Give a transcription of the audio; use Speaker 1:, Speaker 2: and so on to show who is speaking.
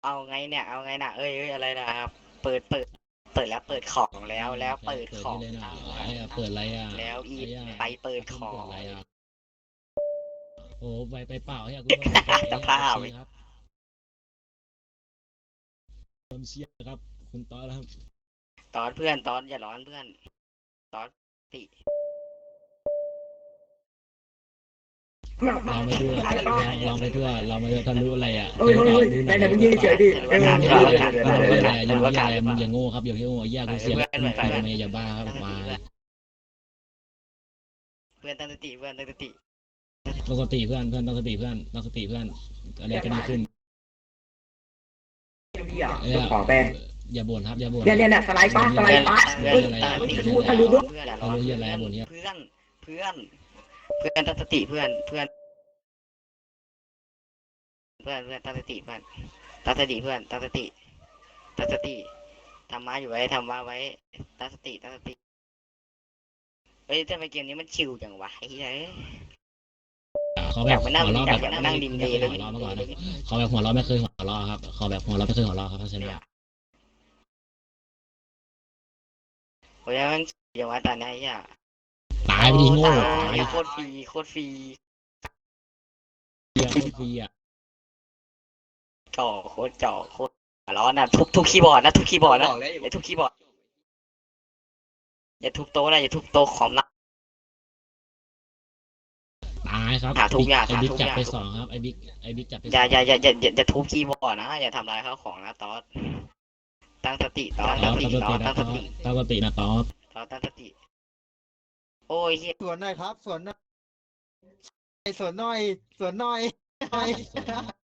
Speaker 1: เอาไงเนี่ยเอาไงนะเอ้ยอะไรนะครับเปิดแล้วเปิดของแล้วเปิดของ
Speaker 2: เลยนะไอ้เปิดอะไรอ่ะ
Speaker 1: แล้วอี
Speaker 2: ไอ้
Speaker 1: ไปเปิดขอ
Speaker 2: เปิด
Speaker 1: ง
Speaker 2: อะไรอ่ะโอ้ไปเปล่าไอ้กูต้องไปไอ้
Speaker 1: สภาพ
Speaker 2: เชียร์ครับผมเชียร์ครับคุณต้อครับ
Speaker 1: ตอนเพื่อนตอนอย่าร้อนเพื่อนตอนติ
Speaker 2: เราไม่ด้วยเราไม่ด้วยเราไม่ด้วยทะลุอะไรอ่ะ
Speaker 3: โอ้ยไหนมึงยืนเฉยดิ
Speaker 2: ยังอะไรมึงอย่าโง่ครับอย่าโง่แย่กูเสียไปทำไมอย่าบ้าครับมา
Speaker 1: เพื่อนตั้งสติเพื่อนตั้งสติ
Speaker 2: ต้องสติเพื่อนต้องสติเพื่อนต้องสติเพื่อนอะไรก็ดีขึ้น
Speaker 3: ของแป้ง
Speaker 2: อย่าบ่นครับอย่าบ่น
Speaker 3: เนี่ยสไลด์ป้า
Speaker 1: เพื่อนตั้งสติเพื่อนอย่าร้อนเพื่อนตั้งสติเพื่อนตั้งสติเพื่อนตั้งสติเพื่อนตั้งสติทำมาอยู่ไว้ทำมาไว้ตั้งสติเฮ้ยทำไมเกมนี้มันชิวจังวะไอ้เหี้ย
Speaker 2: เขาแบบหัวเราะแบบนั่งดิมเลยหัวเราะมาก่อนนะเขาแบบหัวเราะไม่เคยหัวเราะครับเขาแบบหัวเราะไม่เคยหัวเราะครับเพราะฉะนั้น
Speaker 1: โอ้ยมันอย่างว่าแต่ไหนอ่ะ
Speaker 2: ตายไปดิโง่
Speaker 1: โคตรฟรี
Speaker 2: โคตรฟรีอ่ะ
Speaker 1: จ่อโคตรร้อนนะทุบคีย์บอร์ดนะทุบคีย์บอร์ดนะอย่าทุบคีย์บอร์ดอย่าทุบโต๊ะนะอย่าทุบโต๊ะคอมนะ
Speaker 2: ตายครับ
Speaker 1: หาทุกอย่าง
Speaker 2: ไอ้บิ๊ก
Speaker 1: หาทุก
Speaker 2: จับ
Speaker 1: อย่าง
Speaker 2: ไปสองครับไอ้บิ๊กจับไป
Speaker 1: อย่าทุบคีย์บอร์ดนะอย่าทำลายข้าวของนะตอสตั้งสติตอสตั้งสติตอสตั้งสติ
Speaker 2: ตั้งสตินะตอส
Speaker 1: ตอสตั้งสติโอ้ยเฮีย
Speaker 4: สวนหน่อยครับสวนหน่อยสวนหน่อย